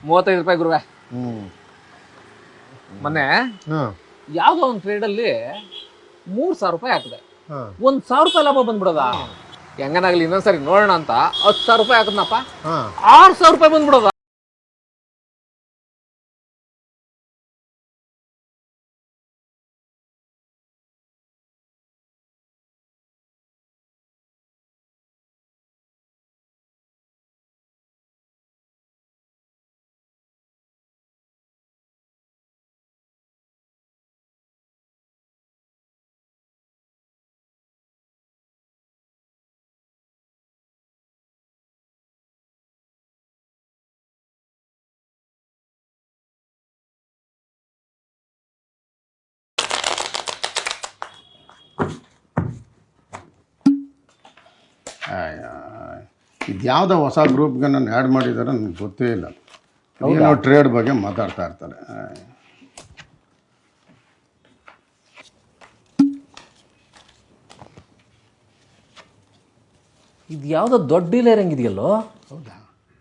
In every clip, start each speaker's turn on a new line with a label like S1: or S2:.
S1: 35 ರೂಪಾಯಿ ಗುರುವೆ. ಮೊನ್ನೆ ಯಾವ್ದೋ ಒಂದು ಟ್ರೇಡ್ ಅಲ್ಲಿ 3,000 ರೂಪಾಯಿ ಹಾಕಿದೆ. 1,000 ರೂಪಾಯಿ ಲಾಭ ಬಂದ್ಬಿಡೋದ. ಹೆಂಗನಾಗ್ಲಿ ಇನ್ನೊಂದ್ಸರಿ ನೋಡೋಣ ಅಂತ 10,000 ರೂಪಾಯಿ ಹಾಕದ್ನಪ್ಪ, 6,000 ರೂಪಾಯಿ ಬಂದ್ಬಿಡೋದ.
S2: ಇದು ಯಾವುದೋ ಹೊಸ ಗ್ರೂಪ್ಗೆ ನಾನು ಆ್ಯಡ್ ಮಾಡಿದ್ದಾರೆ ನನಗೆ ಗೊತ್ತೇ ಇಲ್ಲ. ಏನೋ ಟ್ರೇಡ್ ಬಗ್ಗೆ ಮಾತಾಡ್ತಾ ಇರ್ತಾರೆ.
S1: ಇದು ಯಾವುದೋ ದೊಡ್ಡ ಡೀಲರ್ ಹಂಗಿದೆಯಲ್ಲೋ.
S2: ಹೌದಾ?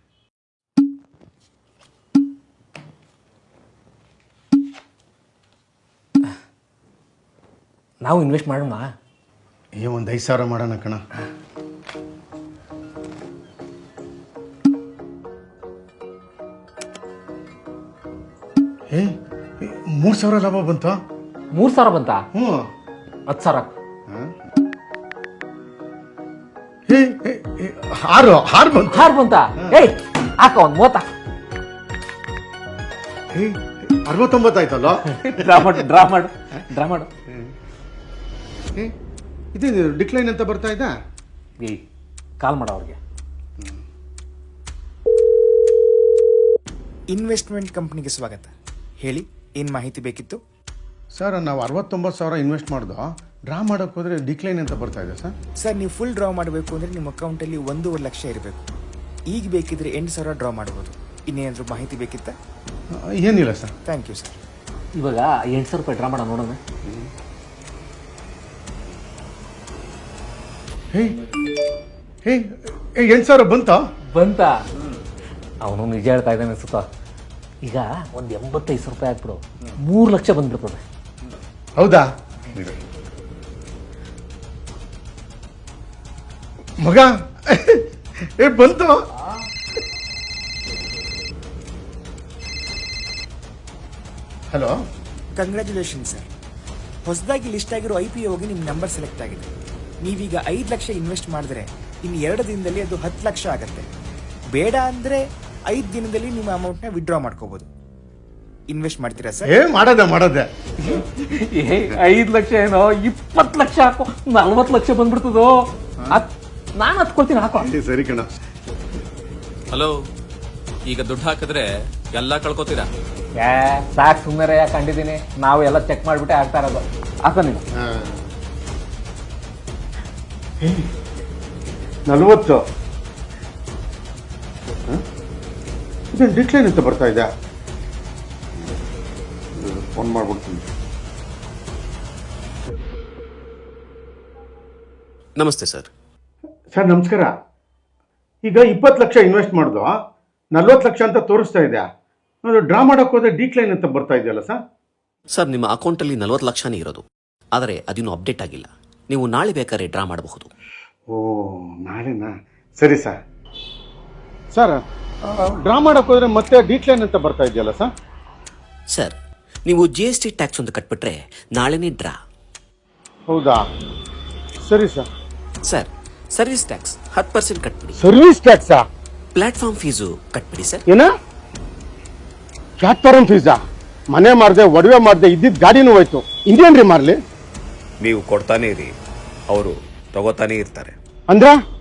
S1: ನಾವು ಇನ್ವೆಸ್ಟ್ ಮಾಡೋಣ.
S2: ಒಂದು 5,000 ಮಾಡೋಣ ಕಣ. ಏ 3,000 ಲಾಭ ಬಂತು.
S1: 3,000 ಬಂತಾ? 10,000.
S2: 6 ಬಂತು.
S1: 6 ಬಂತಾ? ಏಯ್ ಹಾಕ ಒಂದು 30.
S2: 69 ಆಯ್ತಲ್ಲ.
S1: ಡ್ರಾ ಮಾಡು.
S2: ಇದು ಡಿಕ್ಲೈನ್ ಅಂತ ಬರ್ತಾ ಇದ್ದ.
S1: ಏಯ್ ಕಾಲ್ ಮಾಡ ಅವ್ರಿಗೆ.
S3: ಇನ್ವೆಸ್ಟ್ಮೆಂಟ್ ಕಂಪ್ನಿಗೆ ಸ್ವಾಗತ. ಹೇಳಿ, ಏನು ಮಾಹಿತಿ ಬೇಕಿತ್ತು?
S2: ಸರ್, ನಾವು 69,000 ಇನ್ವೆಸ್ಟ್ ಮಾಡ್ದೋ. ಡ್ರಾ ಮಾಡೋಕೆ ಹೋದರೆ ಡಿಕ್ಲೈನ್ ಅಂತ ಬರ್ತಾ ಇದೆ ಸರ್.
S3: ಸರ್, ನೀವು ಫುಲ್ ಡ್ರಾ ಮಾಡಬೇಕು ಅಂದರೆ ನಿಮ್ಮ ಅಕೌಂಟಲ್ಲಿ 1.5 ಲಕ್ಷ ಇರಬೇಕು. ಈಗ ಬೇಕಿದ್ರೆ 8,000 ಡ್ರಾ ಮಾಡ್ಬೋದು. ಇನ್ನೇನಾದರೂ ಮಾಹಿತಿ ಬೇಕಿತ್ತಾ?
S2: ಏನಿಲ್ಲ ಸರ್.
S3: Thank you sir.
S1: ಇವಾಗ 8,000 ರೂಪಾಯಿ ಡ್ರಾ ಮಾಡ ನೋಡೋಣ.
S2: 8,000 ಬಂತಾ?
S1: ಅವನು ನಿಜ ಹೇಳ್ತಾ ಇದ್ದಾನೆ ಅನ್ಸುತ್ತಾ. ಈಗ ಒಂದು 85,000 ರೂಪಾಯಿ ಹಾಕ್ಬಿಡು, 3 ಲಕ್ಷ ಬಂದ್ಬಿಡ್ತದೆ.
S2: ಹೌದಾ ಮಗ? ಬಂತು. Hello,
S3: congratulation sir. ಹೊಸದಾಗಿ ಲಿಸ್ಟ್ ಆಗಿರೋ IPOಗೆ ನಿಮ್ಮ ನಂಬರ್ ಸೆಲೆಕ್ಟ್ ಆಗಿದೆ. ನೀವೀಗ 5 ಲಕ್ಷ ಇನ್ವೆಸ್ಟ್ ಮಾಡಿದ್ರೆ ಇನ್ನು 2 ದಿನದಲ್ಲಿ ಅದು 10 ಲಕ್ಷ ಆಗುತ್ತೆ. ಬೇಡ ಅಂದರೆ 5 ದಿನದಲ್ಲಿ ನಿಮ್ಮ ಅಮೌಂಟ್ನ ವಿಡ್ರಾ ಮಾಡ್ಕೋಬಹುದು. ಇನ್ವೆಸ್ಟ್ ಮಾಡ್ತೀರಾ ಸರ್?
S2: ಮಾಡದೆ
S1: 5 ಲಕ್ಷ ಏನೋ 20 ಲಕ್ಷ ಹಾಕೋ, 40 ಲಕ್ಷ ಬಂದ್ಬಿಡ್ತದೋ. ನಾನು ಹತ್ಕೊಳ್ತೀನಿ, ಹಾಕೋ.
S2: ಸರಿ ಕಣ.
S4: ಹಲೋ, ಈಗ ದುಡ್ಡು ಹಾಕಿದ್ರೆ ಎಲ್ಲ ಕಳ್ಕೊತೀರಾ?
S1: ಸಾಕು ಸುಮ್ಮನೆ ಯಾಕೆ ಕಂಡಿದ್ದೀನಿ. ನಾವು ಎಲ್ಲ ಚೆಕ್ ಮಾಡಿಬಿಟ್ಟೆ ಆಗ್ತಾ ಇರೋದು. ಹಾಕೋ ನೀನು.
S2: 40. ಇದೇನು ಡಿಕ್ಲೈನ್ ಅಂತ ಬರ್ತಾ ಇದೆ. ಫೋನ್ ಮಾಡ್ಬಿಡ್ತೀನಿ.
S4: ನಮಸ್ತೆ ಸರ್.
S2: ಸರ್ ನಮಸ್ಕಾರ. ಈಗ 20 ಲಕ್ಷ ಇನ್ವೆಸ್ಟ್ ಮಾಡ್ದು, 40 ಲಕ್ಷ ಅಂತ ತೋರಿಸ್ತಾ ಇದೆ. ಅದು ಡ್ರಾ ಮಾಡೋಕೆ ಹೋದ್ರೆ ಡಿಕ್ಲೈನ್ ಅಂತ ಬರ್ತಾ ಇದೆಯಲ್ಲ ಸರ್?
S5: ಸರ್, ನಿಮ್ಮ ಅಕೌಂಟಲ್ಲಿ 40 ಲಕ್ಷನೇ ಇರೋದು, ಆದರೆ ಅದಿನ್ನೂ ಅಪ್ಡೇಟ್ ಆಗಿಲ್ಲ. ನೀವು ನಾಳೆ ಬೇಕಾದ್ರೆ ಡ್ರಾ ಮಾಡಬಹುದು.
S2: ಓ, ನಾಳೆನಾ? ಸರಿ ಸರ್. ಸರ್, ಡ್ರಾ ಮಾಡೋಕೆ ಹೋದ್ರೆ ಮತ್ತೆ ಡಿಕ್ಲೈನ್ ಅಂತ ಬರ್ತಾ ಇದೆಯಲ್ಲ ಸರ್?
S5: ಸರ್, ನೀವು GST ಟ್ಯಾಕ್ಸ್ ಒಂದು ಕಟ್ಬಿಟ್ರೆ ನಾಳೆನೇ ಡ್ರಾ.
S2: ಹೌದಾ? ಸರಿ ಸರ್.
S5: ಸರ್, ಸರ್ವಿಸ್ ಟ್ಯಾಕ್ಸ್ 10% ಕಟ್ಬಿಡಿ.
S2: ಸರ್ವಿಸ್ ಟ್ಯಾಕ್ಸಾ?
S5: ಪ್ಲಾಟ್ಫಾರ್ಮ್ ಫೀಸು ಕಟ್ಬಿಡಿ ಸರ್.
S2: ಏನ? ಪ್ಲಾಟ್ಫಾರ್ಮ್ ಫೀಸಾ? ಮನೆ ಮಾರ್ದೆ, ಒಡವೆ ಮಾರ್ದೆ, ಇದ್ದಿದ್ದ ಗಾಡಿನೂ ಹೋಯ್ತು. ಇನ್ನೇನ್ರಿ ಮಾರ್ಲಿ?
S6: ನೀವು ಕೊಡ್ತಾನೆ ಇರಿ, ಅವರು ತಗೋತಾನೆ ಇರ್ತಾರೆ.
S2: ಅಂದ್ರ